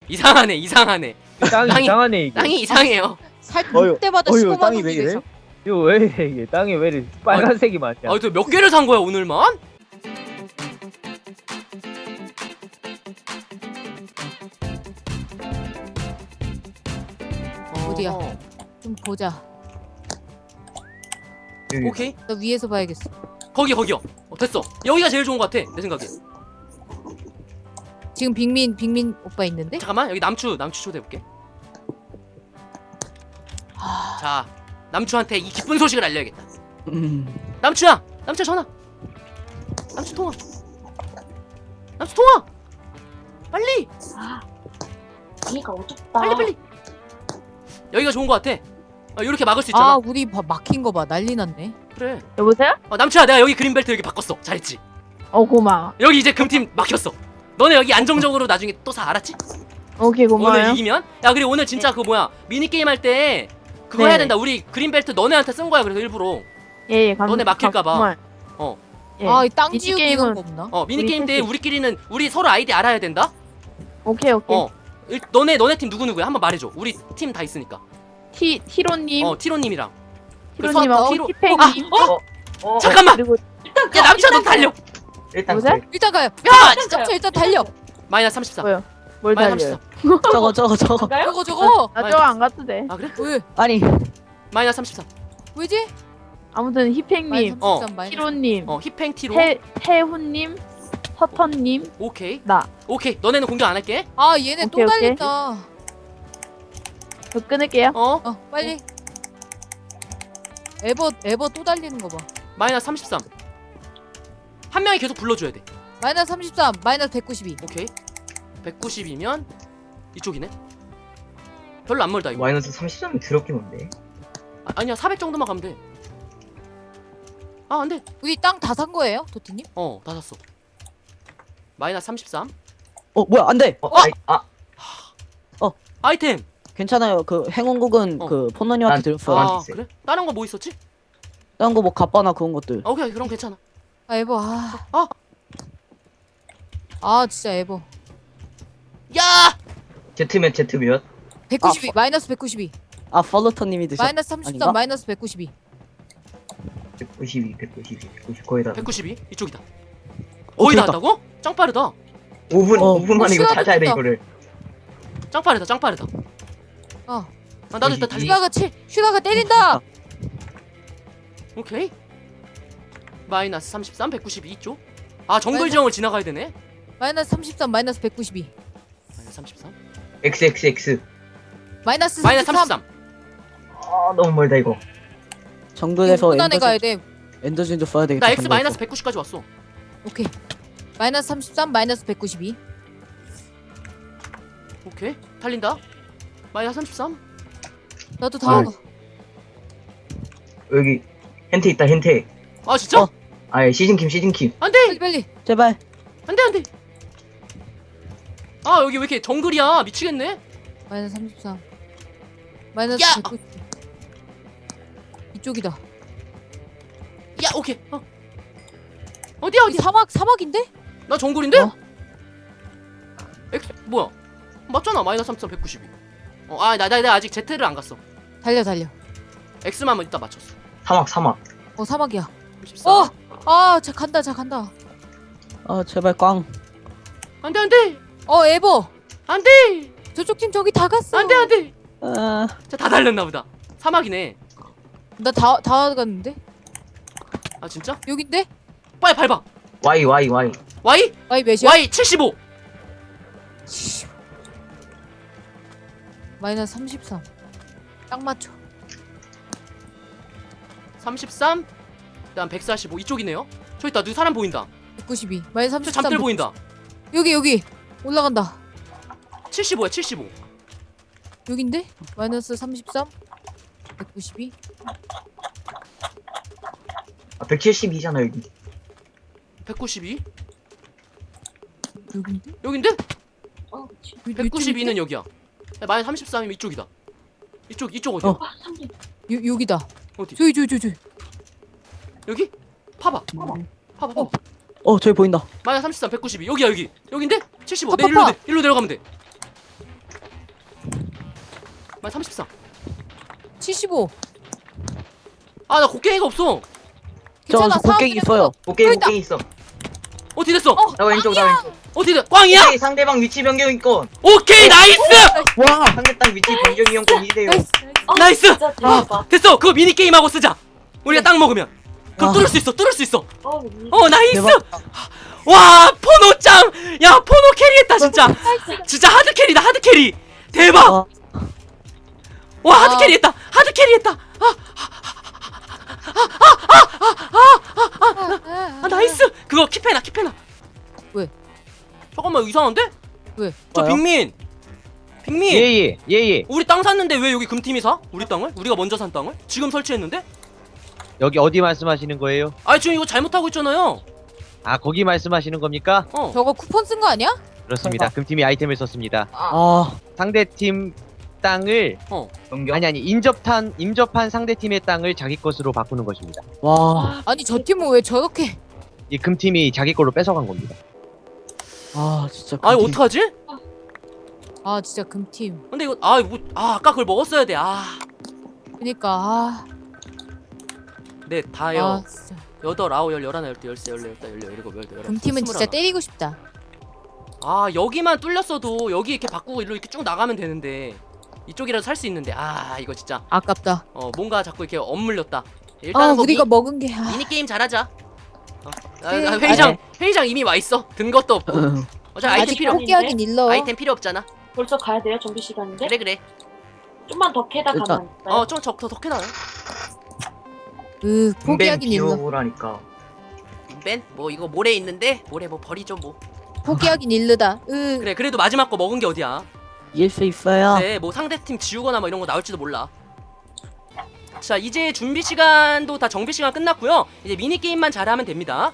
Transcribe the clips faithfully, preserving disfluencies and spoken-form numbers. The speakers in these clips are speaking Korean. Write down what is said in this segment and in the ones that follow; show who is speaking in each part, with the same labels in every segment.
Speaker 1: 이상하네 이상하네.
Speaker 2: 땅이
Speaker 1: 땅이-
Speaker 2: 이상하네 이게.
Speaker 1: 땅이 이상해요.
Speaker 3: 살
Speaker 2: 어휴,
Speaker 3: 때마다
Speaker 2: 어휴,
Speaker 3: 십오만
Speaker 2: 땅이
Speaker 3: 원이
Speaker 2: 왜 이래?
Speaker 3: 돼서.
Speaker 2: 이거 왜 이래 이게? 땅이 왜 이래 빨간색이 많냐?
Speaker 1: 아, 또 몇 개를 산 거야 오늘만?
Speaker 3: 어디야?
Speaker 1: 어,
Speaker 3: 좀 보자.
Speaker 1: 오케이.
Speaker 3: 나 위에서 봐야겠어.
Speaker 1: 거기 거기요. 어, 됐어. 여기가 제일 좋은 것 같아 내 생각에.
Speaker 3: 지금 빅민 빅민 오빠 있는데?
Speaker 1: 잠깐만 여기 남추 남추 초대해볼게.
Speaker 3: 아,
Speaker 1: 자 남추한테 이 기쁜 소식을 알려야겠다.
Speaker 4: 음.
Speaker 1: 남추야 남추야 전화. 남추 통화. 남추 통화. 빨리
Speaker 5: 이가 어둡다.
Speaker 1: 빨리 빨리. 여기가 좋은 것 같아. 어, 이렇게 막을 수 있잖아.
Speaker 3: 아 우리 봐, 막힌 거 봐. 난리 났네.
Speaker 1: 그래.
Speaker 6: 여보세요?
Speaker 1: 어, 남추야 내가 여기 그린벨트 여기 바꿨어. 잘했지.
Speaker 6: 어 고마워.
Speaker 1: 여기 이제 금팀 막혔어. 너네 여기 안정적으로 나중에 또 사 알았지?
Speaker 6: 오케이
Speaker 1: 오늘
Speaker 6: 고마워요.
Speaker 1: 이기면? 야 그리고 오늘 진짜 그 뭐야 미니게임 할 때 그거
Speaker 6: 네.
Speaker 1: 해야 된다. 우리 그린벨트 너네한테 쓴 거야. 그래서 일부러
Speaker 6: 예예 감.
Speaker 1: 너네 막힐까 봐.
Speaker 6: 고마워요.
Speaker 1: 어.
Speaker 6: 예.
Speaker 3: 아 이 땅
Speaker 6: 미니
Speaker 3: 지우기
Speaker 6: 게임은-
Speaker 3: 이런 거 없나?
Speaker 1: 어 미니게임
Speaker 6: 우리
Speaker 1: 때
Speaker 6: 셋이.
Speaker 1: 우리끼리는 우리 서로 아이디 알아야 된다?
Speaker 6: 오케이 오케이.
Speaker 1: 어 일, 너네 너네 팀 누구누구야? 한번 말해줘. 우리 팀 다 있으니까.
Speaker 6: 티 티로님,
Speaker 1: 어 티로님이랑
Speaker 6: 티로님하고
Speaker 1: 티로-
Speaker 6: 티팽님.
Speaker 1: 아,
Speaker 7: 어? 어?
Speaker 1: 잠깐만!
Speaker 6: 그리고
Speaker 1: 야 남추야 너 달려!
Speaker 7: 일단
Speaker 6: 여보세요?
Speaker 7: 그래.
Speaker 3: 일단 가요.
Speaker 1: 야!
Speaker 3: 진짜 일단 달려.
Speaker 1: 마이너스 삼십사.
Speaker 6: 뭐요? 뭘
Speaker 1: 마이너스
Speaker 6: 달려요?
Speaker 1: 삼십사.
Speaker 4: 저거 저거 저거.
Speaker 3: 저거 저거.
Speaker 6: 나 저거 안 가도 돼.
Speaker 1: 아 그래?
Speaker 3: 왜?
Speaker 4: 아니
Speaker 1: 마이너스 삼십사.
Speaker 3: 왜지?
Speaker 6: 아무튼 히팽님,
Speaker 3: 마이너스
Speaker 1: 어.
Speaker 3: 삼십삼, 마이너스
Speaker 6: 티로님,
Speaker 1: 어 힙행 티로.
Speaker 6: 태 태훈님, 서턴님,
Speaker 1: 오케이.
Speaker 6: 나.
Speaker 1: 오케이. 너네는 공격 안 할게.
Speaker 3: 아 얘네 또
Speaker 6: 오케이, 오케이.
Speaker 3: 달린다.
Speaker 6: 저 끊을게요.
Speaker 1: 어?
Speaker 3: 어 빨리. 에버 에버 또 달리는 거 봐.
Speaker 1: 마이너스 삼십삼. 한 명이 계속 불러줘야 돼.
Speaker 3: 마이너스 삼십삼, 마이너스 백구십이.
Speaker 1: 오케이. 백구십이면 이쪽이네. 별로 안 멀다 이거.
Speaker 7: 마이너스 삼십삼이 더럽게 뭔데?
Speaker 1: 아, 아니야 사백 정도만 가면 돼. 아 안돼.
Speaker 3: 우리 땅 다 산 거예요, 도티님?
Speaker 1: 어 다 샀어. 마이너스 삼십삼.
Speaker 4: 어 뭐야 안돼.
Speaker 7: 어? 아이, 아
Speaker 1: 아이템.
Speaker 4: 괜찮아요. 그 행운곡은
Speaker 1: 어.
Speaker 4: 그 포너님한테
Speaker 7: 난-
Speaker 4: 드렸어요.
Speaker 7: 아.
Speaker 1: 아
Speaker 7: 있어요.
Speaker 1: 그래? 다른 거 뭐 있었지?
Speaker 4: 다른 거뭐 갑바나 그런 것들.
Speaker 1: 아, 오케이 그럼 괜찮아.
Speaker 3: 아 에버 아.
Speaker 1: 아.
Speaker 3: 아 진짜 에버.
Speaker 1: 야!
Speaker 7: 제트면 제트 몇?
Speaker 3: 백구십이, 마이너스 백구십이.
Speaker 4: 아 팔로터님이 드셨.
Speaker 3: 마이너스 삼십삼,
Speaker 4: 아닌가?
Speaker 3: 마이너스 백구십이.
Speaker 7: 백구십이, 백구십이, 백구십 거의 다.
Speaker 1: 백구십이 이쪽이다.
Speaker 4: 어,
Speaker 1: 거의 다
Speaker 4: 됐다.
Speaker 1: 왔다고? 짱 빠르다.
Speaker 7: 오 분,
Speaker 4: 어.
Speaker 7: 오 분 만에 이거
Speaker 3: 시간이
Speaker 7: 찾아야 돼
Speaker 3: 됐다.
Speaker 7: 이거를.
Speaker 1: 짱 빠르다. 짱 빠르다.
Speaker 3: 어.
Speaker 1: 아, 나도 일단 달리.
Speaker 3: 슈가가 치, 슈가가 때린다.
Speaker 1: 오케이. 마이너스 삼십삼, 백구십이 이쪽. 아 정글 지형을 지나가야 되네.
Speaker 3: 마이너스 삼십삼, 마이너스 백구십이.
Speaker 1: 마이너스 삼십삼.
Speaker 7: 엑스 엑스 엑스.
Speaker 3: 마이너스
Speaker 1: 마이너스
Speaker 3: 삼십삼.
Speaker 1: 삼십삼.
Speaker 7: 아 너무 멀다 이거.
Speaker 4: 정글에서
Speaker 3: 안에
Speaker 4: 엔더
Speaker 3: 가야 돼.
Speaker 4: 엔더진도 써야 되겠다.
Speaker 1: 나 X
Speaker 4: 정글에서.
Speaker 1: 마이너스 백구십까지 왔어.
Speaker 3: 오케이. 마이너스 삼십삼, 마이너스 백구십이.
Speaker 1: 오케이. 달린다. 마이너스 삼십삼.
Speaker 3: 나도 다.
Speaker 7: 아. 여기 hen태 있다 hen태.
Speaker 1: 아 진짜?
Speaker 4: 어.
Speaker 7: 아예 시즌킴 시즌킴.
Speaker 1: 안돼.
Speaker 3: 빨리 빨리.
Speaker 4: 제발.
Speaker 1: 안돼 안돼. 아 여기 왜 이렇게 정글이야? 미치겠네.
Speaker 3: 마이너스 삼십삼. 마이너스
Speaker 1: 야!
Speaker 3: 백구십. 이쪽이다.
Speaker 1: 야 오케이. 어. 어디야
Speaker 3: 여기
Speaker 1: 어디야?
Speaker 3: 사막 사막인데?
Speaker 1: 나 정글인데?
Speaker 4: 어?
Speaker 1: X 뭐야? 맞잖아 마이너스 삼십삼, 백구십이. 어아나 나 나 아직 Z를 안 갔어.
Speaker 3: 달려 달려.
Speaker 1: X만 이따 맞췄어.
Speaker 7: 사막 사막.
Speaker 3: 어 사막이야.
Speaker 1: 삼십삼.
Speaker 3: 어! 아, 자 간다. 자 간다.
Speaker 4: 아 제발 꽝.
Speaker 1: 안돼 안돼
Speaker 3: 어, 에버.
Speaker 1: 안돼
Speaker 3: 저쪽 팀 저기 다 갔어.
Speaker 1: 안돼 안돼.
Speaker 4: 아
Speaker 1: 자다 달렸나 보다. 사막이네.
Speaker 3: 나 다 다 갔는데?
Speaker 1: 아 진짜?
Speaker 3: 여긴데?
Speaker 1: 빨리 밟아.
Speaker 7: Y Y Y.
Speaker 1: Y
Speaker 3: 와이 몇이야?
Speaker 1: Y 칠십오.
Speaker 3: 마이너스 삼십삼. 딱 맞춰.
Speaker 1: 삼십삼. 그다음 백사십오 이쪽이네요. 저기 있다. 누 사람 보인다.
Speaker 3: 백구십이. 마이너스
Speaker 1: 저
Speaker 3: 삼십삼.
Speaker 1: 잠들 보인다.
Speaker 3: 여기 여기. 올라간다.
Speaker 1: 칠십오야 칠십오.
Speaker 3: 여긴데? 마이너스 삼십삼. 백구십이.
Speaker 7: 아 백칠십이잖아 여기.
Speaker 1: 백구십이.
Speaker 3: 여긴데?
Speaker 1: 여긴데?
Speaker 5: 어, 그치.
Speaker 1: 백구십이는 여기야. 마이너스 삼십삼이면 이쪽이다. 이쪽 이쪽 어디야?
Speaker 4: 어.
Speaker 5: 와, 삼십.
Speaker 3: 요 여기다.
Speaker 1: 어디?
Speaker 3: 저기 저기 저기. 저기.
Speaker 1: 여기? 파봐. 파봐. 파봐.
Speaker 3: 어.
Speaker 4: 어 저기 보인다.
Speaker 1: 마이너스 삼십삼, 백구십이. 여기야 여기. 여긴데? 칠십오.
Speaker 3: 파,
Speaker 1: 내
Speaker 3: 파,
Speaker 1: 일로
Speaker 3: 파.
Speaker 1: 내, 일로 내려가면 돼. 아 삼십사.
Speaker 3: 칠십오.
Speaker 1: 아 나 곡괭이가 없어.
Speaker 4: 저
Speaker 3: 괜찮아.
Speaker 4: 곡괭이 있어요.
Speaker 7: 오케이
Speaker 3: 또 있다.
Speaker 7: 오케이 있어.
Speaker 1: 어떻게 됐어?
Speaker 3: 어,
Speaker 7: 나 왼쪽 나 왼쪽.
Speaker 1: 어떻게 돼? 꽝이야?
Speaker 7: 오케이, 상대방 위치 변경 이건.
Speaker 1: 오케이 나이스.
Speaker 4: 와.
Speaker 7: 상대방 위치 변경 이용권 이대요.
Speaker 3: 나이스.
Speaker 5: 어,
Speaker 1: 나이스!
Speaker 5: 진짜 대박.
Speaker 1: 됐어. 그거 미니 게임 하고 쓰자. 우리가
Speaker 3: 그래.
Speaker 1: 땅 먹으면. 그럼
Speaker 4: 아.
Speaker 1: 뚫을 수 있어. 뚫을 수 있어.
Speaker 5: 어, 이-
Speaker 1: 어 나이스.
Speaker 4: 대박.
Speaker 1: 와 포노짱. 야 포노 캐리했다 진짜. 진짜 하드 캐리다 하드 캐리. 대박.
Speaker 4: 와.
Speaker 1: 와 하드
Speaker 3: 아.
Speaker 1: 캐리했다. 하드 캐리했다. 아, 아 나이스. 그거 킵해놔 킵해놔.
Speaker 3: 왜?
Speaker 1: 잠깐만 이상한데?
Speaker 3: 왜?
Speaker 1: 저
Speaker 4: 뭐요?
Speaker 1: 빅민. 빅민.
Speaker 2: 예예 예예.
Speaker 1: 우리 땅 샀는데 왜 여기 금팀이 사? 우리 땅을? 우리가 먼저 산 땅을? 지금 설치했는데?
Speaker 8: 여기 어디 말씀하시는 거예요?
Speaker 1: 아 지금 이거 잘못하고 있잖아요.
Speaker 8: 아 거기 말씀하시는 겁니까?
Speaker 1: 어.
Speaker 3: 저거 쿠폰 쓴 거 아니야?
Speaker 8: 그렇습니다. 금팀이 아이템을 썼습니다.
Speaker 4: 아.
Speaker 8: 상대팀 땅을
Speaker 7: 변경.
Speaker 8: 아니 아니 인접한 인접한 상대팀의 땅을 자기 것으로 바꾸는 것입니다.
Speaker 4: 와.
Speaker 3: 아니 저 팀은 왜 저렇게?
Speaker 8: 이 금팀이 자기 걸로 뺏어간 겁니다.
Speaker 4: 아 진짜.
Speaker 1: 아니
Speaker 4: 금팀.
Speaker 1: 어떡하지?
Speaker 3: 아 진짜 금팀.
Speaker 1: 근데 이거 아 이거 아 아까 그걸 먹었어야 돼. 아.
Speaker 3: 그니까 아.
Speaker 1: 네 다요.
Speaker 3: 아 진짜.
Speaker 1: 여덟 아홉 열 열하나 열두 열세 열네 열다 열여 열일곱 열여덟 열아홉
Speaker 3: 금팀은 진짜
Speaker 1: 스물하나.
Speaker 3: 때리고 싶다.
Speaker 1: 아 여기만 뚫렸어도 여기 이렇게 바꾸고 일로 이렇게 쭉 나가면 되는데 이쪽이라도 살 수 있는데 아 이거 진짜
Speaker 3: 아깝다.
Speaker 1: 어 뭔가 자꾸 이렇게 엇물렸다. 일단
Speaker 3: 아
Speaker 1: 뭐
Speaker 3: 우리가
Speaker 1: 미,
Speaker 3: 먹은 게 아.
Speaker 1: 미니 게임 잘하자. 어. 아,
Speaker 3: 네.
Speaker 1: 아, 회의장 회의장 이미 와 있어. 든 것도 없고. 어차피 아이템
Speaker 3: 아직
Speaker 1: 필요 없.
Speaker 3: 포기하긴 일러.
Speaker 1: 아이템 필요 없잖아.
Speaker 5: 벌써 가야 돼요? 정비 시간인데?
Speaker 1: 그래 그래.
Speaker 5: 좀만 더 캐다
Speaker 4: 일단-
Speaker 5: 가면 안 돼요?
Speaker 1: 어좀적더 더 캐나요?
Speaker 3: 으
Speaker 7: 벤
Speaker 3: 포기하긴 일러.
Speaker 7: 비워보라니까.
Speaker 1: 벤? 뭐 이거 모래 있는데 모래 뭐 버리죠 뭐.
Speaker 3: 포기하긴 일르다. 으.
Speaker 1: 그래 그래도 마지막 거 먹은 게 어디야?
Speaker 4: 이길 수 있어요.
Speaker 1: 네, 뭐 상대팀 지우거나 뭐 이런 거 나올지도 몰라. 자, 이제 준비 시간도 다 정비 시간 끝났고요. 이제 미니 게임만 잘하면 됩니다.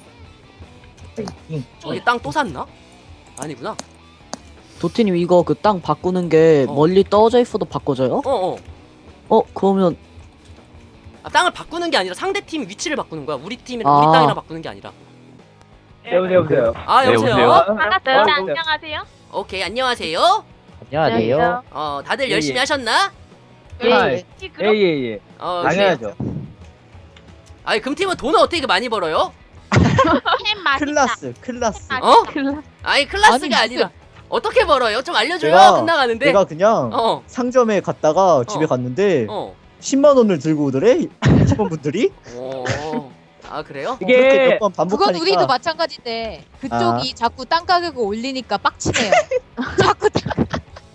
Speaker 1: 저기 땅 또 샀나? 아니구나.
Speaker 4: 도티님 이거 그 땅 바꾸는 게
Speaker 1: 어.
Speaker 4: 멀리 떨어져 있어도 바꿔져요?
Speaker 1: 어, 어.
Speaker 4: 어 그러면
Speaker 1: 아, 땅을 바꾸는 게 아니라 상대팀 위치를 바꾸는 거야. 우리 팀이랑
Speaker 4: 아.
Speaker 1: 우리 땅이랑 바꾸는 게 아니라.
Speaker 2: 여보세요 여보세요.
Speaker 1: 아,
Speaker 8: 네,
Speaker 1: 여보세요.
Speaker 8: 여보세요?
Speaker 6: 반갑어요.
Speaker 2: 어,
Speaker 6: 네,
Speaker 2: 어,
Speaker 6: 안녕하세요.
Speaker 1: 오케이, 안녕하세요.
Speaker 2: 안녕하세요.
Speaker 1: 어, 다들
Speaker 2: 예,
Speaker 1: 열심히
Speaker 2: 예.
Speaker 1: 하셨나?
Speaker 6: 예,
Speaker 2: 아,
Speaker 6: 예. 그럼
Speaker 2: 예예예.
Speaker 1: 어,
Speaker 2: 당연하죠.
Speaker 1: 아니, 금팀은 돈을 어떻게 이렇게 많이 벌어요?
Speaker 6: 햄 맛있다.
Speaker 9: 클라스 클라스
Speaker 1: 어?
Speaker 6: 클라.
Speaker 1: 아니, 클래스가
Speaker 3: 아니, 무슨-
Speaker 1: 아니라 어떻게 벌어요? 좀 알려줘요.
Speaker 9: 내가-
Speaker 1: 끝나가는데.
Speaker 9: 내가 그냥
Speaker 1: 어,
Speaker 9: 상점에 갔다가 집에
Speaker 1: 어.
Speaker 9: 갔는데
Speaker 1: 어.
Speaker 9: 십만 원을 들고 오더래 직원분들이.
Speaker 1: 오. 아, 그래요?
Speaker 9: 그렇게
Speaker 2: 이게
Speaker 9: 몇 번
Speaker 3: 그건
Speaker 9: 반복하니까
Speaker 3: 우리도 마찬가지인데 그쪽이 자꾸 땅 가격을 올리니까 빡치네요. 자꾸 땅-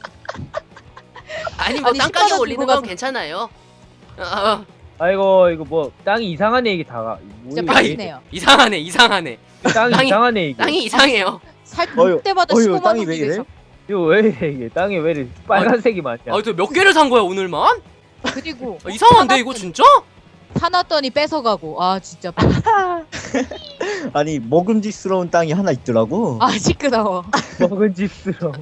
Speaker 1: 아니 뭐
Speaker 3: 아니,
Speaker 1: 땅
Speaker 3: 십만
Speaker 1: 가격
Speaker 3: 원
Speaker 1: 올리는
Speaker 3: 들고
Speaker 1: 건
Speaker 3: 가서.
Speaker 1: 괜찮아요. 어,
Speaker 2: 아이고 이거 뭐 땅이 이상한 얘기 다가.
Speaker 3: 진짜
Speaker 2: 뭐 이게
Speaker 3: 빡치네요.
Speaker 1: 이상하네 이상하네.
Speaker 2: 땅이
Speaker 1: 땅이-
Speaker 2: 이상한 얘기.
Speaker 1: 땅이 이상해요.
Speaker 3: 살볼
Speaker 9: 어휴,
Speaker 3: 때마다
Speaker 9: 어휴,
Speaker 3: 십오만
Speaker 9: 땅이
Speaker 3: 원
Speaker 9: 왜 이래?
Speaker 3: 내서.
Speaker 2: 이거 왜 이래 이게 땅이 왜 이래 빨간색이 많냐.
Speaker 1: 아, 저 몇 개를 산 거야 오늘만?
Speaker 3: 그리고
Speaker 1: 아, 이상한데 이거 진짜?
Speaker 3: 사놨더니 뺏어가고. 아 진짜.
Speaker 9: 아니 먹음직스러운 땅이 하나 있더라고.
Speaker 3: 아 시끄러워.
Speaker 2: 먹은 집스러.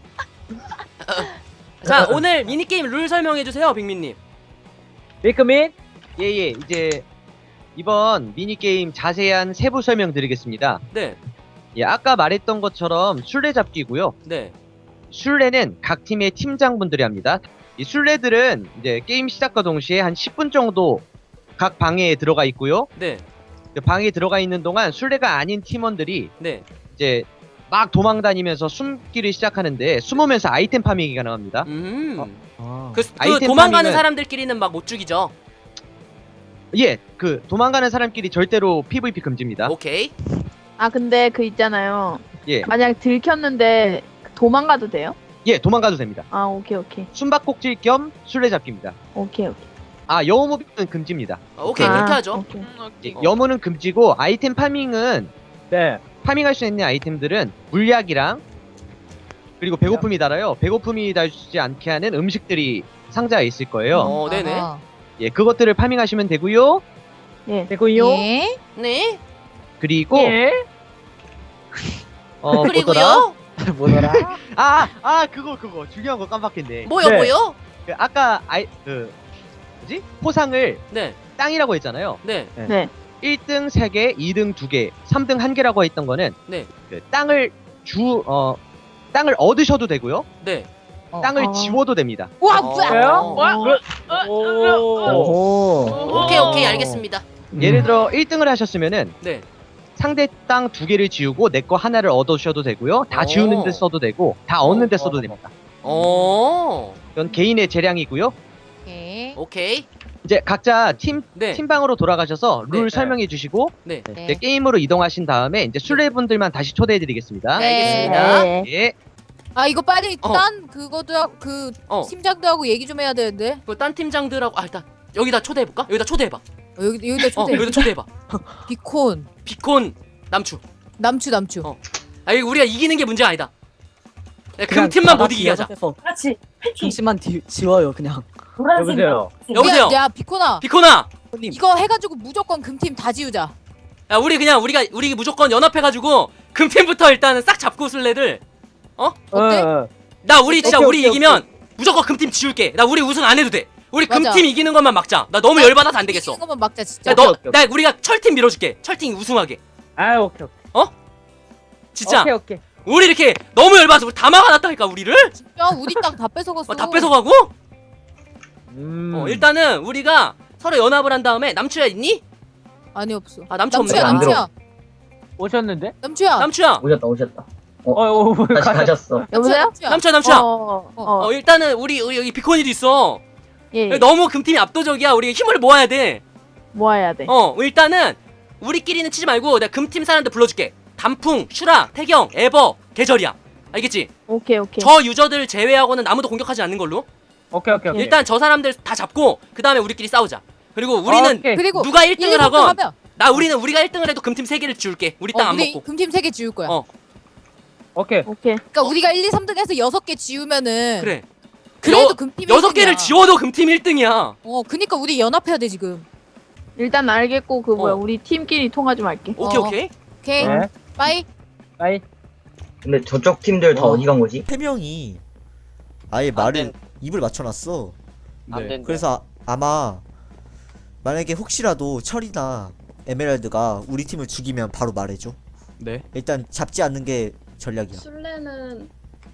Speaker 1: 자 오늘 미니 게임 룰 설명해 주세요, 빅민님.
Speaker 2: 비크민?
Speaker 8: 예예 이제 이번 미니 게임 자세한 세부 설명 드리겠습니다.
Speaker 1: 네,
Speaker 8: 예 아까 말했던 것처럼 술래잡기고요.
Speaker 1: 네,
Speaker 8: 술래는 각 팀의 팀장분들이 합니다. 이 술래들은 이제 게임 시작과 동시에 한 십 분 정도 각 방에 들어가 있고요.
Speaker 1: 네,
Speaker 8: 그 방에 들어가 있는 동안 술래가 아닌 팀원들이
Speaker 1: 네.
Speaker 8: 이제 막 도망 다니면서 숨기를 시작하는데 숨으면서 아이템 파밍이 가능합니다.
Speaker 1: 음.
Speaker 9: 아.
Speaker 1: 그, 그
Speaker 8: 아이템
Speaker 1: 도망가는
Speaker 8: 파밍은-
Speaker 1: 사람들끼리는 막 못 죽이죠.
Speaker 8: 예, 그 도망가는 사람끼리 절대로 피브이피 금지입니다.
Speaker 1: 오케이.
Speaker 6: 아 근데 그 있잖아요.
Speaker 8: 예,
Speaker 6: 만약 들켰는데 도망가도 돼요?
Speaker 8: 예, 도망가도 됩니다.
Speaker 6: 아 오케이 오케이
Speaker 8: 숨바꼭질 겸 술래잡기입니다.
Speaker 6: 오케이 오케이.
Speaker 8: 아, 여우무비는 금지입니다.
Speaker 1: 어, 오케이
Speaker 6: 아,
Speaker 1: 그렇게 하죠.
Speaker 6: 오케이.
Speaker 8: 예,
Speaker 1: 어.
Speaker 8: 여무는 금지고 아이템 파밍은
Speaker 2: 네.
Speaker 8: 파밍할 수 있는 아이템들은 물약이랑 그리고 배고픔이 달아요. 배고픔이 달지 않게 하는 음식들이 상자에 있을 거예요.
Speaker 1: 어, 네네.
Speaker 3: 아하.
Speaker 8: 예, 그것들을 파밍하시면 되고요.
Speaker 6: 예.
Speaker 2: 됐군요.
Speaker 3: 예?
Speaker 1: 네.
Speaker 8: 그리고
Speaker 2: 예.
Speaker 8: 어, 뭐더라?
Speaker 1: 그리고요.
Speaker 9: 뭐더라?
Speaker 8: 아, 아, 그거 그거 중요한 거 깜빡했네.
Speaker 1: 뭐요,
Speaker 2: 네.
Speaker 1: 뭐요?
Speaker 8: 그 아까 아이 그 뭐지? 포상을
Speaker 1: 네,
Speaker 8: 땅이라고 했잖아요.
Speaker 1: 네,
Speaker 6: 네.
Speaker 8: 일 등 세 개, 이 등 두 개, 삼 등 한 개라고 했던 거는
Speaker 1: 네,
Speaker 8: 그 땅을 주 어 땅을 얻으셔도 되고요.
Speaker 1: 네.
Speaker 3: 어.
Speaker 8: 땅을
Speaker 6: 어.
Speaker 8: 지워도 됩니다.
Speaker 3: 우와
Speaker 1: 어.
Speaker 3: 뭐야?
Speaker 5: 뭐야? 어, 어,
Speaker 2: 오.
Speaker 1: 오케이 오케이 알겠습니다.
Speaker 8: 예를 들어 일 등을 하셨으면은
Speaker 1: 네.
Speaker 8: 상대 땅 두 개를 지우고 내 거 하나를 얻으셔도 되고요. 다
Speaker 1: 오.
Speaker 8: 지우는 데 써도 되고 다 얻는 데 써도 됩니다.
Speaker 1: 어.
Speaker 8: 이건 개인의 재량이고요.
Speaker 3: 오케이.
Speaker 1: 오케이.
Speaker 8: 이제 각자 팀
Speaker 1: 네.
Speaker 8: 팀방으로 돌아가셔서 룰
Speaker 1: 네.
Speaker 8: 설명해 주시고
Speaker 1: 네.
Speaker 3: 네.
Speaker 8: 이제 게임으로 이동하신 다음에 이제 술래분들만 다시 초대해 드리겠습니다.
Speaker 3: 네.
Speaker 1: 알겠습니다.
Speaker 6: 네.
Speaker 8: 예.
Speaker 3: 아 이거 빨리
Speaker 1: 어.
Speaker 3: 딴 그거도 하- 그
Speaker 1: 어.
Speaker 3: 팀장도 하고 얘기 좀 해야 되는데.
Speaker 1: 그딴 팀장들하고 아 일단 여기다 초대해 볼까? 여기다 초대해 봐.
Speaker 3: 어, 여기 여기다
Speaker 1: 어,
Speaker 3: 초대.
Speaker 1: 여기다 초대해 봐.
Speaker 3: 비콘
Speaker 1: 비콘 남추.
Speaker 3: 남추 남추.
Speaker 1: 어. 아 이거 우리가 이기는 게 문제가 아니다. 야, 금
Speaker 4: 그냥
Speaker 1: 팀만
Speaker 4: 다
Speaker 1: 못
Speaker 4: 같이
Speaker 1: 이기게 하자.
Speaker 4: 연합해서
Speaker 5: 그렇지. 패티.
Speaker 4: 중심만 디, 지워요 그냥.
Speaker 5: 노란색.
Speaker 2: 여보세요.
Speaker 1: 여보세요.
Speaker 3: 야, 야 비콘아.
Speaker 1: 비콘아.
Speaker 4: 손님.
Speaker 3: 이거 해가지고 무조건 금팀 다 지우자.
Speaker 1: 야 우리 그냥 우리가 우리 무조건 연합해가지고 금팀부터 일단은 싹 잡고 술래들.
Speaker 3: 어때?
Speaker 2: 어,
Speaker 1: 나 우리 진짜
Speaker 2: 오케이,
Speaker 1: 우리
Speaker 2: 오케이,
Speaker 1: 이기면 무조건 금팀 지울게. 나 우리 우승 안 해도 돼. 우리
Speaker 3: 맞아.
Speaker 1: 금팀 이기는 것만 막자. 나 너무 열받아서 안 되겠어.
Speaker 3: 이거만 막자 진짜.
Speaker 1: 야, 너,
Speaker 2: 오케이, 오케이.
Speaker 1: 나 우리가 철팀 밀어줄게. 철팀 우승하게.
Speaker 2: 아 오케이 오케이.
Speaker 1: 진짜.
Speaker 2: 오케이 오케이.
Speaker 1: 우리 이렇게 너무 열받아서 우리 다 막아놨다니까 우리를.
Speaker 3: 진짜 우리 땅 다 뺏어갔어.
Speaker 1: 어, 다 뺏어가고.
Speaker 2: 음.
Speaker 1: 어, 일단은 우리가 서로 연합을 한 다음에 남추야 있니?
Speaker 3: 아니 없어.
Speaker 1: 아 남추 없네.
Speaker 3: 남추야
Speaker 7: 안 들어.
Speaker 3: 남추야
Speaker 2: 오셨는데?
Speaker 3: 남추야.
Speaker 1: 남추야.
Speaker 7: 오셨다 오셨다.
Speaker 2: 어, 어, 어
Speaker 7: 다시
Speaker 2: 가-
Speaker 7: 가셨어.
Speaker 6: 여보세요?
Speaker 3: 남추야.
Speaker 1: 남추야 남추야.
Speaker 6: 어, 어,
Speaker 1: 어 일단은 우리, 우리 여기 비코니도 있어.
Speaker 6: 예.
Speaker 1: 너무 금팀이 압도적이야. 우리 힘을 모아야 돼.
Speaker 6: 모아야 돼.
Speaker 1: 어 일단은 우리끼리는 치지 말고 내가 금팀 사람들 불러줄게. 단풍, 슈라, 태경, 에버, 계절이야. 알겠지?
Speaker 6: 오케이 오케이.
Speaker 1: 저 유저들 제외하고는 아무도 공격하지 않는 걸로.
Speaker 2: 오케이 오케이 오케이.
Speaker 1: 일단 저 사람들 다 잡고 그 다음에 우리끼리 싸우자. 그리고 우리는
Speaker 2: 오케이.
Speaker 3: 그리고
Speaker 1: 누가 일 등을
Speaker 3: 일, 이부터
Speaker 1: 하건
Speaker 3: 하면
Speaker 1: 나 우리는 우리가 일 등을 해도 금팀 세 개를 지울게. 우리 땅
Speaker 3: 어,
Speaker 1: 안
Speaker 3: 우리
Speaker 1: 먹고.
Speaker 3: 금팀 세 개 지울 거야.
Speaker 1: 어.
Speaker 2: 오케이.
Speaker 6: 오케이.
Speaker 3: 그러니까 우리가 일, 이, 삼 등해서 여섯 개 지우면은
Speaker 1: 그래.
Speaker 3: 그래도
Speaker 1: 여-
Speaker 3: 금팀
Speaker 1: 여섯 개를
Speaker 3: 일 등이야.
Speaker 1: 지워도 금팀 일 등이야.
Speaker 3: 어, 그니까 우리 연합해야 돼 지금.
Speaker 6: 일단 알겠고 그 뭐야
Speaker 1: 어.
Speaker 6: 우리 팀끼리 통화 좀 할게.
Speaker 1: 오케이
Speaker 3: 어.
Speaker 1: 오케이.
Speaker 3: 오케이.
Speaker 2: 네.
Speaker 3: 빠이.
Speaker 2: 아이.
Speaker 7: 근데 저쪽 팀들 다
Speaker 9: 어.
Speaker 7: 어디 간 거지?
Speaker 9: 세 명이 아예 말을 입을 맞춰놨어.
Speaker 8: 네.
Speaker 9: 그래서 아, 아마 만약에 혹시라도 철이나 에메랄드가 우리 팀을 죽이면 바로 말해줘.
Speaker 8: 네.
Speaker 9: 일단 잡지 않는 게 전략이야.
Speaker 10: 술래는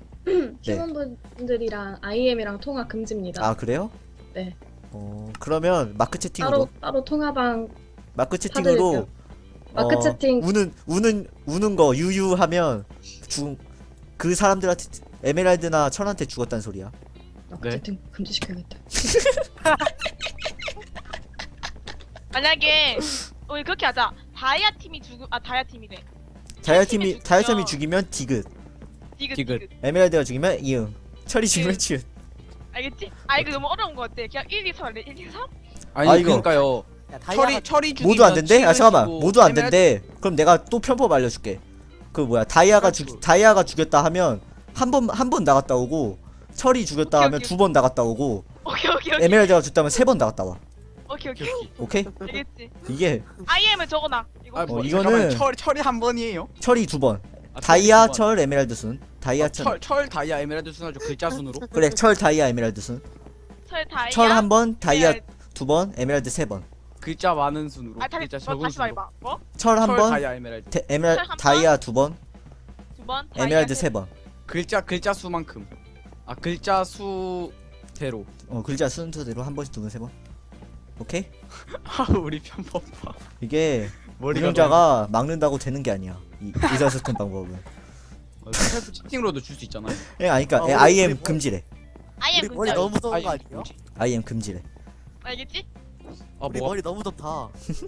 Speaker 10: 팀원분들이랑 아이엠이랑 통화 금지입니다.
Speaker 9: 아 그래요?
Speaker 10: 네.
Speaker 9: 어 그러면 마크 채팅으로
Speaker 10: 따로 따로 통화방
Speaker 9: 마크 채팅으로
Speaker 10: 사드릴게요. 마크
Speaker 9: 어,
Speaker 10: 채팅.
Speaker 9: 우는 우는 우는 거 유유하면 죽그 사람들한테 에메랄드나 철한테 죽었단 소리야.
Speaker 10: 마크
Speaker 8: 네.
Speaker 10: 채팅 금지시켜야겠다.
Speaker 11: 만약에 우리 그렇게 하자. 다이아 팀이 죽음 아 다이아 팀이래.
Speaker 9: 다이아 팀이
Speaker 11: 팀이
Speaker 9: 다이아
Speaker 11: 죽으면-
Speaker 9: 팀이 죽이면 디귿,
Speaker 11: 디귿
Speaker 8: 디귿.
Speaker 11: 디귿.
Speaker 9: 에메랄드가 죽이면 이응, 철이 죽이면 치읓.
Speaker 11: 알겠지? 아 이거 너무 어려운 거 같아. 그냥 일, 이, 삼 할래. 일, 이, 삼?
Speaker 12: 아니
Speaker 9: 아, 이거.
Speaker 12: 그러니까요. 철이 철이 죽이면
Speaker 9: 모두 안 된대? 아
Speaker 12: 치읓
Speaker 9: 잠깐만
Speaker 12: 주고
Speaker 9: 모두 안
Speaker 12: 에메랄드-
Speaker 9: 된대. 그럼 내가 또 편법 알려줄게. 그 뭐야 다이아가
Speaker 12: 그렇죠.
Speaker 9: 죽 다이아가 죽였다 하면 한 번 한 번 나갔다 오고 철이 죽였다
Speaker 11: 오케이,
Speaker 9: 하면
Speaker 11: 오케이.
Speaker 9: 두 번 나갔다 오고
Speaker 11: 오케이 오케이 오케이.
Speaker 9: 에메랄드가 죽다면 세 번 나갔다 와.
Speaker 11: 오케이 오케이.
Speaker 9: 오케이?
Speaker 11: 알겠지?
Speaker 9: 이게
Speaker 11: 아이엠을 적어놔. 이거.
Speaker 12: 아, 뭐,
Speaker 9: 어,
Speaker 12: 잠깐만,
Speaker 9: 이거는-
Speaker 12: 철 철이 한 번이에요?
Speaker 9: 철이 두 번.
Speaker 12: 아,
Speaker 9: 다이아
Speaker 12: 철이 두 번.
Speaker 9: 철 에메랄드 순. 다이아
Speaker 12: 아,
Speaker 9: 철.
Speaker 12: 철, 철 다이아 에메랄드 순으로 글자 순으로?
Speaker 9: 그래 철 다이아 에메랄드 순.
Speaker 11: 철 다이아.
Speaker 9: 철 한 번, 다이아
Speaker 11: 에메랄드.
Speaker 9: 두 번, 에메랄드 세 번.
Speaker 12: 글자 많은 순으로.
Speaker 11: 아 다시
Speaker 12: 글자
Speaker 11: 뭐,
Speaker 12: 적은
Speaker 11: 다시
Speaker 12: 순으로.
Speaker 11: 말해봐. 뭐?
Speaker 9: 철 한
Speaker 12: 철
Speaker 9: 번,
Speaker 12: 다이아 에메랄드.
Speaker 9: 데- 에메랄
Speaker 11: 철한 번?
Speaker 9: 다이아 두 번,
Speaker 11: 두 번. 다이아
Speaker 9: 에메랄드 세 번.
Speaker 12: 글자 글자 수만큼. 아 글자 수대로.
Speaker 9: 어 글자 순서대로 한 번씩 두 번, 세 번. 오케이?
Speaker 12: 아 우리 편법 봐.
Speaker 9: 이게
Speaker 12: 머리가
Speaker 9: 운영자가 막는다고 되는 게 아니야. 이 의사소통 방법은.
Speaker 12: 너무- 어, 스카이프 채팅으로도 줄 수 있잖아.
Speaker 9: 예, 아니 그러니까
Speaker 12: 아,
Speaker 9: 예,
Speaker 12: 우리-
Speaker 9: 아이엠
Speaker 12: 우리 뭐-
Speaker 9: 금지래.
Speaker 11: 아이엠
Speaker 12: 머리
Speaker 11: 금지.
Speaker 12: 너무 무서운 거 아니에요?
Speaker 9: 아이엠 금지래.
Speaker 11: 알겠지?
Speaker 12: 아 뭐?
Speaker 9: 너무 덥다.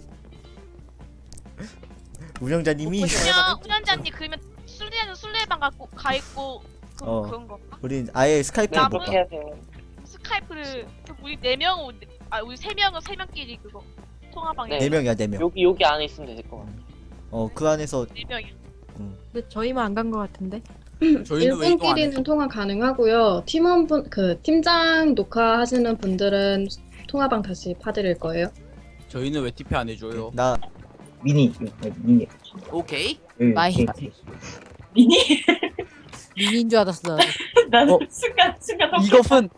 Speaker 9: 운영자님이
Speaker 11: 그냥 운전자님 그러면 술래는 술래방 갖고 가 있고 그,
Speaker 9: 어.
Speaker 11: 그런 거.
Speaker 9: 우린 아예 스카이프를
Speaker 11: 나
Speaker 9: 못
Speaker 11: 그렇게
Speaker 9: 봐.
Speaker 5: 돼요.
Speaker 11: 스카이프를 그 우리 네 명, 아 우리 세 명은 세 명끼리 그거 통화방에
Speaker 9: 네 명이야, 네 명.
Speaker 5: 여기 여기 안에 있으면 될 것 같아.
Speaker 9: 어, 그 안에서
Speaker 11: 네 명이.
Speaker 3: 근데 저희만 안 간 거 같은데.
Speaker 12: 저희는 왜 이동 안 해?
Speaker 10: 일분끼리는 통화 가능하고요. 팀원분 그 팀장 녹화하시는 분들은 통화방 다시 파드릴 거예요.
Speaker 12: 저희는 왜 티피 안 해줘요?
Speaker 9: 나
Speaker 7: 미니 미니.
Speaker 1: 오케이.
Speaker 7: 여기,
Speaker 3: 마이.
Speaker 7: 여기.
Speaker 5: 미니.
Speaker 3: 미니인 줄 알았어. 나도.
Speaker 5: 난
Speaker 4: 어.
Speaker 5: 순간 순간.
Speaker 4: 이것은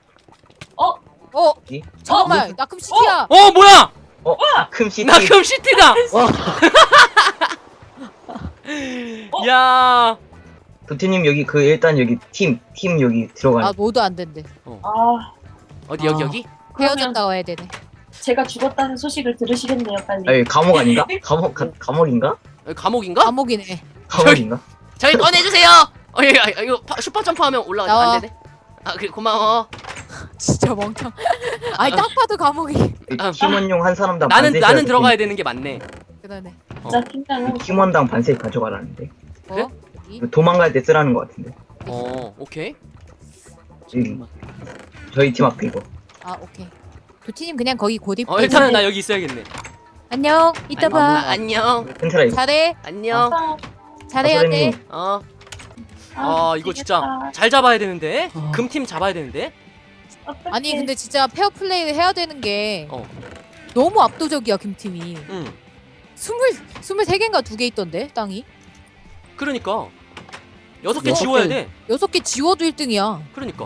Speaker 3: 어?
Speaker 7: 이?
Speaker 3: 잠깐만. 나 그럼 시티야.
Speaker 1: 어 뭐야?
Speaker 7: 어? 아큼 시티.
Speaker 1: 나 금 시티다. 야
Speaker 7: 도티님 여기 그 일단 여기 팀 팀 여기 들어가는.
Speaker 3: 아 모두 안 된대.
Speaker 5: 아,
Speaker 1: 어디 여기
Speaker 3: 아.
Speaker 1: 여기?
Speaker 3: 헤어졌다고 해야 되네.
Speaker 5: 제가 죽었다는 소식을 들으시겠네요, 빨리.
Speaker 7: 아니 감옥 아닌가? 감옥 가, 감옥인가?
Speaker 1: 여기 감옥인가?
Speaker 3: 감옥이네.
Speaker 7: 감옥인가?
Speaker 1: 저기 꺼내주세요. 어, 예, 아, 이거 파- 슈퍼 점프하면 올라가
Speaker 3: 나와.
Speaker 1: 안 되네. 아 그래 고마워.
Speaker 3: 진짜 멍청. 아니 딱 봐도 감옥이.
Speaker 1: 아,
Speaker 7: 팀원용 한 사람당
Speaker 1: 나는
Speaker 7: 반씩
Speaker 1: 나는
Speaker 7: 가지고
Speaker 1: 들어가야 되는 게 맞네.
Speaker 3: 그러네.
Speaker 5: 진짜 팀장은
Speaker 7: 팀원당 반씩 가져가라는데.
Speaker 1: 그래?
Speaker 3: 어? 이?
Speaker 7: 도망갈 때 쓰라는 것 같은데.
Speaker 1: 어 오케이.
Speaker 7: 여기 저희 팀 앞에 이거.
Speaker 3: 아 오케이. 도티님 그냥 거기 고립.
Speaker 1: 어 일단은 나 여기 있어야겠네.
Speaker 3: 안녕. 이따
Speaker 1: 아,
Speaker 3: 봐.
Speaker 1: 안녕.
Speaker 7: 펜트라 이거.
Speaker 3: 잘해.
Speaker 1: 안녕.
Speaker 5: 아,
Speaker 3: 잘해야 돼.
Speaker 7: 선생님.
Speaker 1: 어.
Speaker 5: 아,
Speaker 1: 아 이거 진짜
Speaker 5: 미치겠다.
Speaker 1: 잘 잡아야 되는데.
Speaker 4: 어.
Speaker 1: 금팀 잡아야 되는데.
Speaker 5: 어떡해.
Speaker 3: 아니 근데 진짜 페어 플레이를 해야 되는 게
Speaker 1: 어.
Speaker 3: 너무 압도적이야 김팀이.
Speaker 1: 응.
Speaker 3: 스물 스물세 개인가 두 개 있던데 땅이.
Speaker 1: 그러니까 여섯 개
Speaker 4: 여섯
Speaker 1: 지워야
Speaker 4: 개.
Speaker 1: 돼.
Speaker 3: 여섯 개 지워도 일 등이야.
Speaker 1: 그러니까.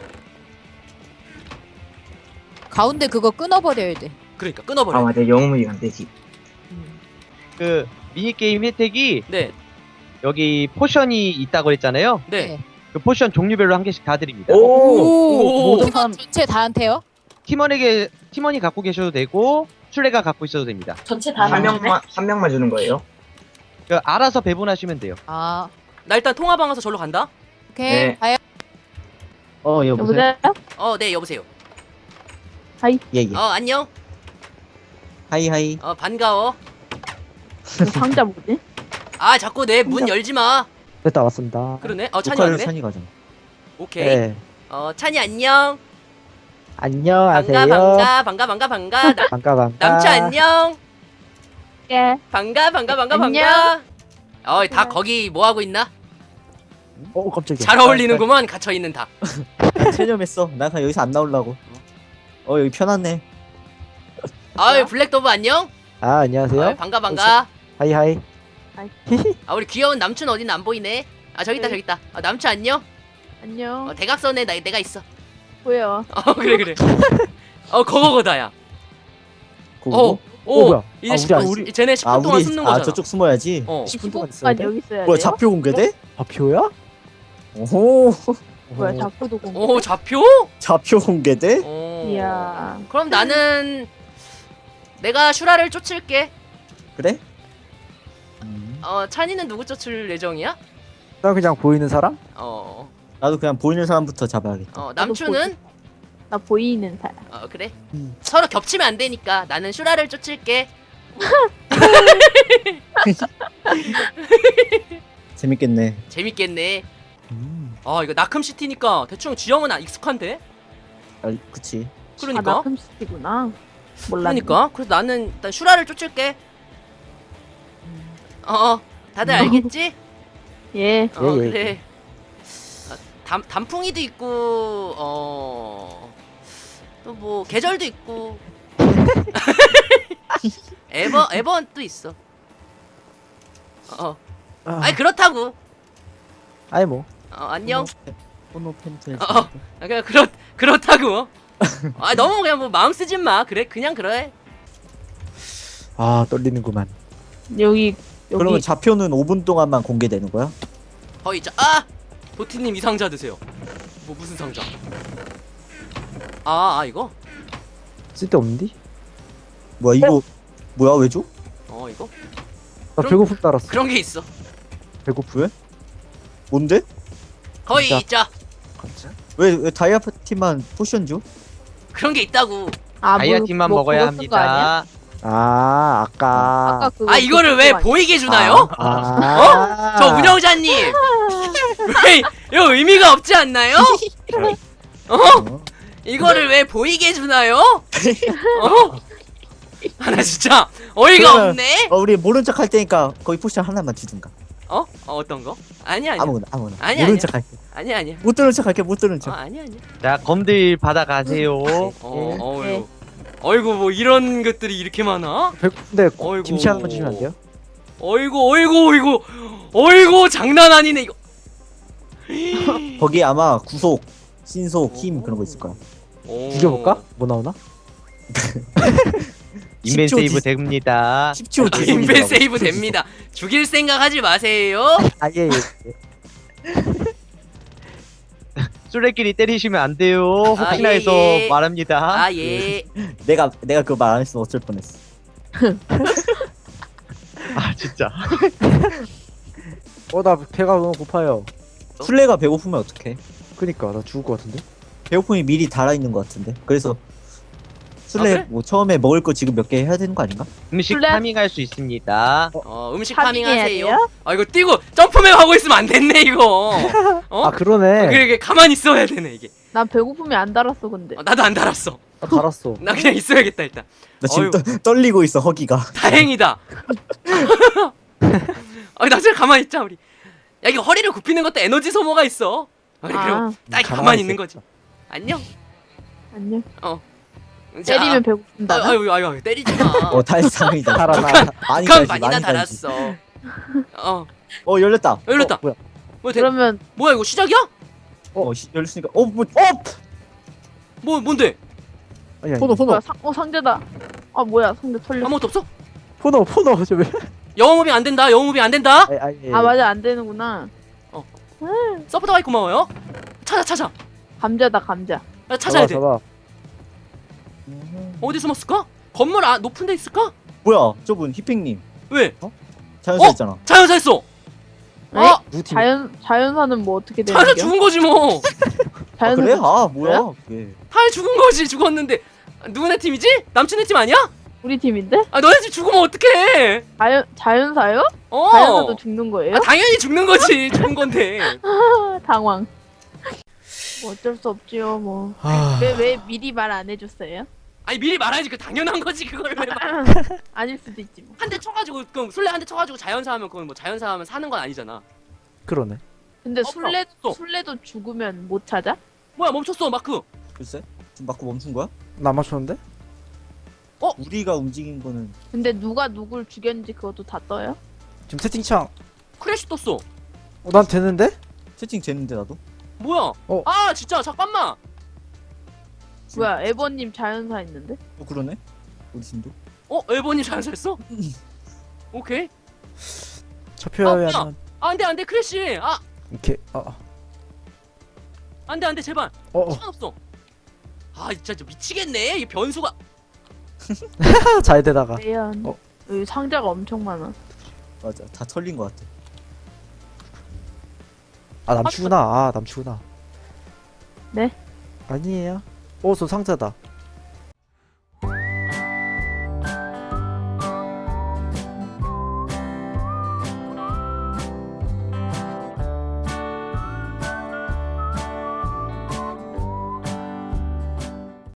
Speaker 3: 가운데 그거 끊어버려야 돼.
Speaker 1: 그러니까
Speaker 7: 아
Speaker 1: 끊어버려.
Speaker 7: 맞아 영웅이 안 되지.
Speaker 3: 음.
Speaker 8: 그 미니게임 혜택이
Speaker 1: 네.
Speaker 8: 여기 포션이 있다고 했잖아요.
Speaker 1: 네.
Speaker 8: 그 포션 종류별로 한 개씩 다 드립니다.
Speaker 7: 오.
Speaker 1: 오.
Speaker 4: 모든
Speaker 3: 팀원
Speaker 4: 사람
Speaker 3: 전체 다한테요?
Speaker 8: 팀원에게 팀원이 갖고 계셔도 되고 술래가 갖고 있어도 됩니다.
Speaker 5: 전체 다
Speaker 7: 한
Speaker 5: 나눠주네?
Speaker 7: 명만 한 명만 주는 거예요?
Speaker 8: 그 알아서 배분하시면 돼요.
Speaker 3: 아
Speaker 1: 나 일단 통화방 가서 절로 간다.
Speaker 3: 오케이.
Speaker 7: 네.
Speaker 3: 가요.
Speaker 4: 어 여보세요?
Speaker 6: 여보세요?
Speaker 1: 어 네 여보세요.
Speaker 4: 예예.
Speaker 1: 어 안녕.
Speaker 4: 하이 하이.
Speaker 1: 어 반가워.
Speaker 6: 그 상자 뭐지?
Speaker 1: 아 자꾸 내 문 열지 마.
Speaker 4: 됐다 왔습니다.
Speaker 1: 그러네. 어 찬이
Speaker 4: 녹화를
Speaker 1: 왔네.
Speaker 4: 찬이 가잖아.
Speaker 1: 오케이.
Speaker 4: 네.
Speaker 1: 어 찬이 안녕.
Speaker 4: 안녕하세요.
Speaker 1: 반가 반가 반가 반가 반가. 나,
Speaker 4: 반가 반가.
Speaker 1: 남주 안녕.
Speaker 6: 예.
Speaker 1: 반가 반가 반가
Speaker 6: 안녕.
Speaker 1: 반가. 어이 다 거기 뭐 하고 있나?
Speaker 4: 어 깜짝이야.
Speaker 1: 잘 어울리는구먼 갇혀 있는 다.
Speaker 9: 체념했어. 나 그냥 여기서 안 나오려고. 어 여기 편하네.
Speaker 1: 아이 블랙도브 안녕.
Speaker 4: 아 안녕하세요.
Speaker 1: 어이, 반가 반가.
Speaker 4: 하이 하이.
Speaker 1: 아 우리 귀여운 남춘 어딘 안 보이네. 아 저기 있다 저기 있다. 아, 남춘 안녕.
Speaker 6: 안녕.
Speaker 1: 어, 대각선에 나 내가 있어.
Speaker 6: 보여.
Speaker 1: 어 그래 그래. 어 그거거다야.
Speaker 9: 고고.
Speaker 1: 오.
Speaker 4: 뭐야?
Speaker 1: 이제
Speaker 4: 아,
Speaker 1: 십
Speaker 4: 우리
Speaker 1: 분
Speaker 4: 안-
Speaker 1: 우리 쟤네 십 분
Speaker 9: 아
Speaker 1: 동안
Speaker 9: 우리
Speaker 1: 숨는
Speaker 9: 아
Speaker 1: 거잖아.
Speaker 9: 저쪽 숨어야지.
Speaker 1: 어.
Speaker 9: 십 분 동안 있어야
Speaker 6: 이십분
Speaker 9: 돼.
Speaker 6: 동안 여기 있어야
Speaker 9: 뭐야
Speaker 6: 돼요?
Speaker 9: 좌표 공개돼?
Speaker 4: 좌표야?
Speaker 9: 오호.
Speaker 6: 뭐야 자꾸도 공개.
Speaker 1: 오 좌표?
Speaker 9: 좌표 공개돼?
Speaker 1: 오.
Speaker 6: 이야.
Speaker 1: 그럼 나는 내가 슈라를 쫓을게.
Speaker 9: 그래?
Speaker 1: 어 찬이는 누구 쫓을 예정이야?
Speaker 4: 나 그냥 보이는 사람?
Speaker 1: 어.
Speaker 9: 나도 그냥 보이는 사람부터 잡아야겠다.
Speaker 1: 어 남춘은?
Speaker 6: 나 보이는 사람.
Speaker 1: 어 그래.
Speaker 9: 음.
Speaker 1: 서로 겹치면 안 되니까 나는 슈라를 쫓을게.
Speaker 9: 재밌겠네.
Speaker 1: 재밌겠네.
Speaker 9: 음.
Speaker 1: 아 이거 나큼시티니까 대충 지형은 아, 익숙한데?
Speaker 9: 아 그치.
Speaker 1: 그러니까.
Speaker 6: 아 나큼시티구나. 몰랐네.
Speaker 1: 그러니까. 그래서 나는 일단 슈라를 쫓을게. 어, 어 다들 알겠지?
Speaker 6: 예.
Speaker 1: 어
Speaker 4: 예, 예.
Speaker 1: 그래. 아, 단 단풍이도 있고 어. 또 뭐 계절도 있고. 에버 에버도 있어. 어.
Speaker 4: 아,
Speaker 1: 아니 그렇다고.
Speaker 4: 아니 뭐.
Speaker 1: 어 안녕.
Speaker 9: 포노 팬트.
Speaker 1: 어, 어. 아, 그냥 그렇 그렇다고. 아 너무 그냥 뭐 마음 쓰지 마. 그래 그냥 그래.
Speaker 4: 아 떨리는구만.
Speaker 6: 여기 여기
Speaker 9: 그러면 좌표는 오 분 동안만 공개되는 거야?
Speaker 1: 거의 자. 아 도티님 이 상자 드세요. 뭐 무슨 상자? 아, 아 이거?
Speaker 4: 쓸데없는디?
Speaker 9: 뭐야 이거 뭐야 왜 줘?
Speaker 1: 어 이거?
Speaker 4: 나
Speaker 1: 그럼-
Speaker 4: 배고픔 따랐어.
Speaker 1: 그런 게 있어.
Speaker 4: 배고픔?
Speaker 9: 뭔데?
Speaker 1: 거의
Speaker 4: 진짜?
Speaker 1: 있자.
Speaker 9: 왜 왜 다이아 파티만 포션 줘?
Speaker 1: 그런 게 있다고.
Speaker 6: 아,
Speaker 8: 다이아
Speaker 6: 뭐,
Speaker 8: 팀만
Speaker 6: 뭐
Speaker 8: 먹어야
Speaker 6: 그거 쓴거 아니야?
Speaker 8: 합니다.
Speaker 4: 아 아까.
Speaker 6: 아까 그거
Speaker 1: 아 이거를 왜
Speaker 6: 그거 아니야?
Speaker 1: 보이게 주나요?
Speaker 4: 아.
Speaker 1: 저 운영자님. 왜 이거 의미가 없지 않나요? 어?
Speaker 9: 어?
Speaker 1: 이거를 왜 보이게 주나요? 어? 아 나 진짜 어이가
Speaker 9: 그러면-
Speaker 1: 없네.
Speaker 9: 어 우리 모른 척 할 테니까 거기 포션 하나만 주든가.
Speaker 1: 어? 어 어떤 거? 아니야 아니야.
Speaker 9: 아무거나 아무거나.
Speaker 1: 아니야,
Speaker 9: 모른
Speaker 1: 아니야.
Speaker 9: 척 할게.
Speaker 1: 아니야 아니야.
Speaker 9: 못 들은 척 할게 못 들은
Speaker 1: 어
Speaker 9: 척.
Speaker 1: 아니야 아니야.
Speaker 8: 자 검들 받아가세요.
Speaker 1: 어 어이구. 어이구 뭐 이런 것들이 이렇게 많아?
Speaker 4: 배고픈데
Speaker 1: 어이구.
Speaker 4: 김치 하나만 주시면 안 돼요?
Speaker 1: 어이구 어이구 어이구 어이구 장난 아니네 이거.
Speaker 9: 거기 아마 구속, 신속, 힘 그런 거 있을 거야.
Speaker 1: 오.
Speaker 4: 죽여볼까? 뭐 나오나?
Speaker 8: 인벤
Speaker 9: 십 초
Speaker 8: 세이브
Speaker 9: 뒤-
Speaker 8: 됩니다.
Speaker 9: 십 초
Speaker 1: 아, 인벤 세이브 됩니다. 죽일 생각 하지 마세요.
Speaker 4: 아예 예.
Speaker 8: 술래끼리 때리시면 안 돼요. 혹시나
Speaker 1: 아, 예,
Speaker 8: 해서
Speaker 1: 예.
Speaker 8: 말합니다.
Speaker 1: 아 예.
Speaker 9: 내가 내가 그거 말 안 했으면 어쩔 뻔했어.
Speaker 8: 아 진짜.
Speaker 4: 어, 나 배가 너무 고파요.
Speaker 9: 술래가 배고프면 어떡해?
Speaker 4: 그니까, 나 죽을 것 같은데?
Speaker 9: 배고픔이 미리 달아 있는 것 같은데. 그래서 술래
Speaker 1: 아, 그래?
Speaker 9: 뭐 처음에 먹을 거 지금 몇 개 해야 되는 거 아닌가?
Speaker 8: 음식
Speaker 6: 술래?
Speaker 8: 파밍할 수 있습니다.
Speaker 1: 어 음식
Speaker 6: 파밍해야
Speaker 1: 파밍하세요.
Speaker 6: 돼요?
Speaker 1: 아 이거 뛰고 점프맨 하고 있으면 안 됐네 이거. 어?
Speaker 4: 아, 그러네.
Speaker 1: 그래 이게 가만히 있어야 되네 이게.
Speaker 6: 난 배고픔이 안 달았어 근데.
Speaker 1: 아, 나도 안 달았어.
Speaker 4: 나 달았어.
Speaker 1: 나 그냥 있어야겠다 일단.
Speaker 9: 나 지금
Speaker 1: 어휴.
Speaker 9: 떠, 떨리고 있어 허기가.
Speaker 1: 다행이다. 아, 나 진짜 가만히 있자 우리. 야 이거 허리를 굽히는 것도 에너지 소모가 있어. 아, 그래, 그럼
Speaker 6: 아,
Speaker 1: 딱
Speaker 4: 가만히
Speaker 1: 가만히 있는 거지. 안녕.
Speaker 6: 안녕.
Speaker 1: 자,
Speaker 6: 때리면 배고픈다.
Speaker 1: 아, 아유 아유 아유 때리지 마.
Speaker 9: 어 달상이다.
Speaker 4: 달아나.
Speaker 9: 많이
Speaker 1: 북한
Speaker 9: 달지,
Speaker 1: 많이나
Speaker 9: 많이 달지.
Speaker 1: 달았어. 어
Speaker 9: 어 열렸다.
Speaker 1: 열렸다.
Speaker 4: 어, 뭐야?
Speaker 1: 뭐 대,
Speaker 6: 그러면
Speaker 1: 뭐야 이거 시작이야?
Speaker 9: 어 시- 열렸으니까 어뭐 어!
Speaker 1: 뭐 뭔데?
Speaker 4: 아니, 아니.
Speaker 6: 포노 포노. 상, 어 상자다. 아 뭐야 상자 털렸어.
Speaker 1: 아무것도 없어?
Speaker 4: 포노, 포노. 저 왜?
Speaker 1: 영어 무빙 안 된다. 영어 무빙 안 된다.
Speaker 4: 아니, 아니,
Speaker 6: 아 맞아 안 되는구나.
Speaker 1: 서포터 가이 고마워요. 찾아 찾아.
Speaker 6: 감자다 감자.
Speaker 1: 아, 찾아야 돼.
Speaker 4: 잡아.
Speaker 1: 어디 숨었을까? 건물 아 높은 데 있을까?
Speaker 9: 뭐야 저분 히핑님
Speaker 1: 왜?
Speaker 9: 자연사
Speaker 1: 어?
Speaker 9: 있잖아.
Speaker 1: 자연사 했어.
Speaker 6: 에?
Speaker 1: 아
Speaker 4: 누구 팀?
Speaker 6: 자연 자연사는 뭐 어떻게 되는
Speaker 1: 자연사
Speaker 6: 겨?
Speaker 1: 죽은 거지 뭐.
Speaker 9: 아,
Speaker 6: 자연사
Speaker 9: 그래? 아 뭐야 그게.
Speaker 1: 하이 죽은 거지 죽었는데. 아, 누구네 팀이지? 남친네 팀 아니야?
Speaker 6: 우리 팀인데?
Speaker 1: 아 너네 팀 죽으면 어떡해?
Speaker 6: 자연 자연사요?
Speaker 1: 어.
Speaker 6: 자연사도 죽는 거예요?
Speaker 1: 아, 당연히 죽는 거지. 죽은 건데.
Speaker 6: 아, 당황. 뭐 어쩔 수 없지요 뭐.
Speaker 4: 아,
Speaker 6: 왜 왜 미리 말 안 해줬어요?
Speaker 1: 아니 미리 말하지 그 당연한 거지 그걸 왜 말?
Speaker 6: 아닐 수도 있지 뭐.
Speaker 1: 한 대 쳐가지고 그럼 술래 한 대 쳐가지고 자연사 하면 그건 뭐 자연사 하면 사는 건 아니잖아.
Speaker 4: 그러네.
Speaker 6: 근데
Speaker 1: 어,
Speaker 6: 술래
Speaker 1: 또.
Speaker 6: 술래도 죽으면 못 찾아?
Speaker 1: 뭐야 멈췄어 마크.
Speaker 9: 글쎄 지금 맞고 멈춘 거야?
Speaker 4: 나 맞췄는데?
Speaker 9: 우리가 움직인 거는
Speaker 6: 근데 누가 누굴 죽였는지 그것도 다 떠요?
Speaker 4: 지금 채팅창.
Speaker 1: 크래시 떴어.
Speaker 4: 어, 난 되는데?
Speaker 9: 채팅 쟀는데 나도.
Speaker 1: 뭐야?
Speaker 4: 어.
Speaker 1: 아 진짜 잠깐만.
Speaker 6: 뭐야 에버님 자연사 있는데?
Speaker 9: 어 그러네. 우리 팀도.
Speaker 1: 어 엘버님 자연사 했어? 오케이.
Speaker 4: 잡혀야
Speaker 1: 아,
Speaker 4: 하면.
Speaker 1: 아 안돼 안돼 크래시. 아
Speaker 4: 이렇게. 아,
Speaker 1: 안돼 안돼 제발.
Speaker 4: 어, 어.
Speaker 1: 시간 없어. 아 진짜 저 미치겠네. 이 변수가.
Speaker 4: 잘 되다가.
Speaker 6: 과연
Speaker 4: 어.
Speaker 6: 여기 상자가 엄청 많아.
Speaker 9: 맞아 다 털린 거 같아.
Speaker 4: 아, 남추구나. 아, 남추구나.
Speaker 6: 네?
Speaker 4: 아니에요. 어, 저 상자다.